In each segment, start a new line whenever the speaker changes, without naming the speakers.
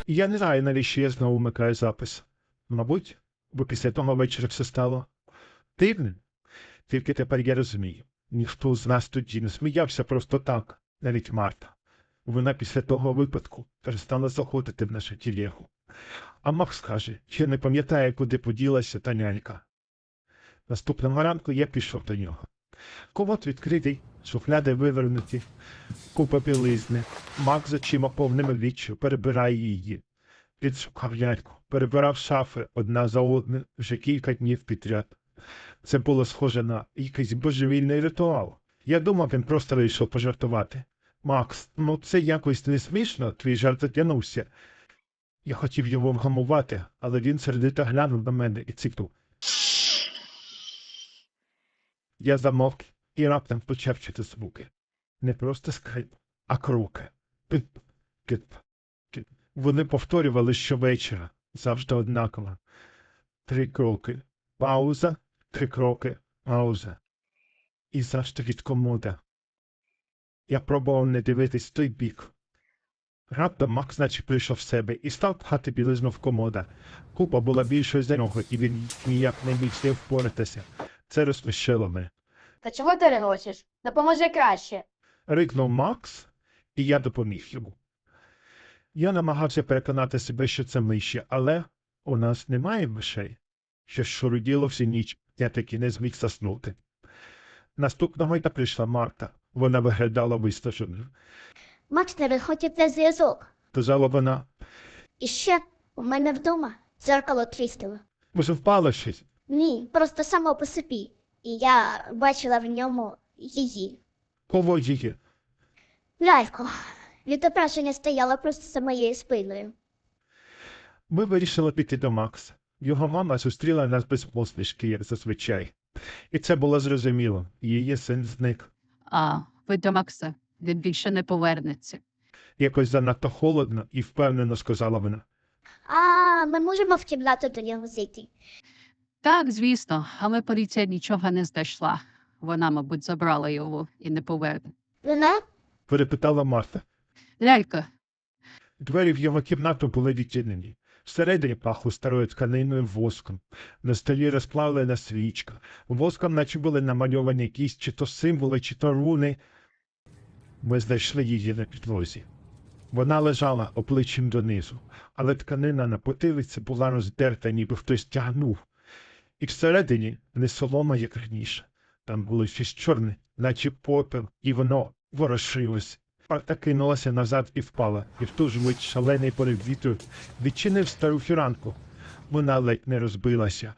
І я не знаю, навіщо я знову вмикаю запис. Мабуть, бо після того вечора все стало дивним. Тільки тепер я розумію. Ніхто з нас тоді не сміявся просто так, навіть Марта. Вона після того випадку перестала заходити в нашу тілегу. А Макс каже, що не пам'ятає, куди поділася та нянька. Наступного ранку я пішов до нього. Комод відкритий, шухляди вивернуті, купа білизни. Макс з очима повними відчаю перебирає її. Підшукав ляльку, перебирав шафи одна за одною вже кілька днів підряд. Це було схоже на якийсь божевільний ритуал. Я думав, він просто вийшов пожартувати. Макс, ну це якось не смішно, твій жарт затягнувся. Я хотів його вгамувати, але він сердито глянув на мене і цикнув. Я замовк і раптом почав чути звуки. Не просто скрип, а кроки. Пип, кип, кип. Вони повторювали щовечора, завжди однаково. 3 кроки. Пауза, 3 кроки, пауза. І завжди від комода. Я пробував не дивитись в той бік. Раптом Макс наче прийшов в себе і став пхати білизну в комода. Купа була більшою за нього, і він ніяк не міг з нею впоратися. Це розсмішило мене.
Та чого ти регочеш? Допоможи краще.
Рикнув Макс, і я допоміг йому. Я намагався переконати себе, що це миші, але у нас немає мишей. Що шуруділо всю ніч, я таки не зміг заснути. Наступного дня прийшла Марта. Вона виглядала виснаженою.
Макс не виходить на зв'язок.
Казала вона,
І ще у мене вдома дзеркало тріснило.
може впало щось?
Ні, просто само по собі. І я бачила в ньому її.
Кого її?
Лялько. Відображення стояло просто за моєю спиною.
Ми вирішили піти до Макса. Його мама зустріла нас без посмішки, як зазвичай. І це було зрозуміло. Її син зник.
А, ви до Макса. Він більше не повернеться.
Якось занадто холодно і впевнено сказала вона.
А ми можемо в кімнату до нього зайти?
Так, звісно, але поліція нічого не знайшла. Вона, мабуть, забрала його і не поверне.
Вона?
Перепитала Марта.
Лялька,
Двері в його кімнату були відчинені. Всередині пахло старою тканиною воском. На столі розплавлена свічка. Воском наче були намальовані якісь чи то символи, чи то руни. Ми знайшли її на підлозі. Вона лежала обличчям донизу, але тканина на потилиці була роздерта, ніби хтось тягнув. І всередині не солома, як раніше. Там було щось чорне, наче попел, і воно ворушилось. Марта кинулася назад і впала, і в ту ж мить шалений порив вітру відчинив стару фіранку. Вона ледь не розбилася.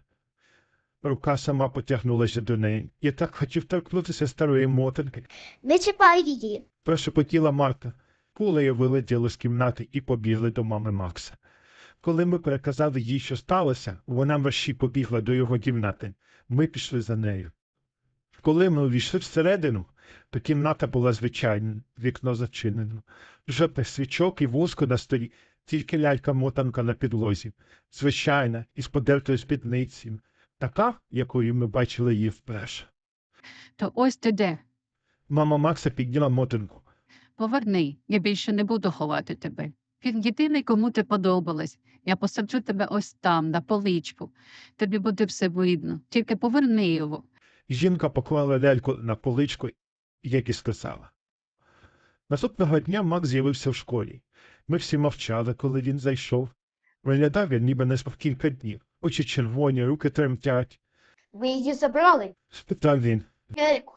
Рука сама потягнулася до неї. Я так хотів торкнутися старої мотанки.
Не чіпай її.
Прошепотіла Марта. Кулею вилетіли з кімнати і побігли до мами Макса. Коли ми переказали їй, що сталося, вона мерщій побігла до його кімнати. Ми пішли за нею. Коли ми увійшли всередину, то кімната була звичайна, вікно зачинено. Жодних свічок і воску на столі, тільки лялька-мотанка на підлозі. Звичайна, із подертою спідницею. Така, якою ми бачили її вперше.
то ось ти де.
Мама Макса підняла мотанку.
Поверни, я більше не буду ховати тебе. Він єдиний, кому ти подобалась. Я посаджу тебе ось там, на поличку. Тобі буде все видно. Тільки поверни його.
Жінка поклала ляльку на поличку, як і сказала. Наступного дня Макс з'явився в школі. Ми всі мовчали, коли він зайшов. Виглядав він, ніби не спав кілька днів. Очі червоні, руки тремтять.
Ви її забрали?
Спитав він.
Ляльку.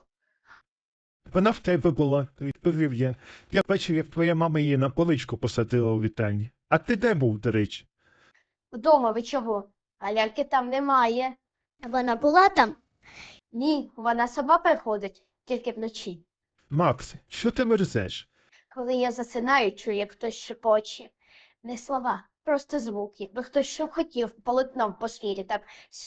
Вона в тебе була, відповів я. Я бачив, як твоя мама її на поличку посадила у вітальні. А ти де був, до речі?
Вдома ви чого? А ляльки там немає.
Вона була там?
Ні, вона сама приходить, тільки вночі.
Макс, що ти мерзеш?
Коли я засинаю, чую, як хтось шепоче. Не слова, просто звук, якби хтось що хотів полотном по свірі, так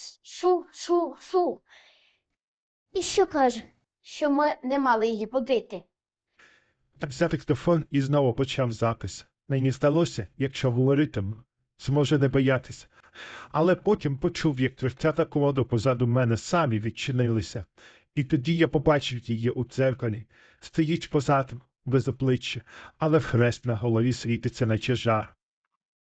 шу-шу-шу,
І що каже?
що ми не мали її будити.
Так взяв диктофон і знову почав запис. Мені здалося, якщо говоритиму, зможе не боятися. Але потім почув, як дверцята комоду позаду мене самі відчинилися. І тоді я побачив її у дзеркалі. Стоїть позаду, без обличчя, але хрест на голові світиться, наче жар.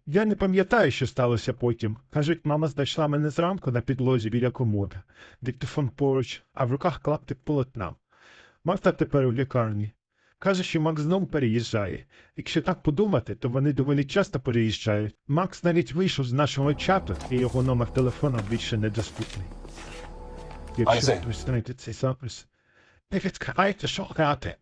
Я не пам'ятаю, що сталося потім. Кажуть, мама знайшла мене зранку на підлозі біля комода, диктофон поруч, а в руках клаптик полотна. Марта тепер у лікарні. Каже, що Макс знову переїжджає. Якщо так подумати, то вони доволі часто переїжджають. Макс навіть вийшов з нашого чату, і його номер телефона більше недоступний. Якщо
Айзек.
ви знаєте цей запис, не відкривайте, що грати.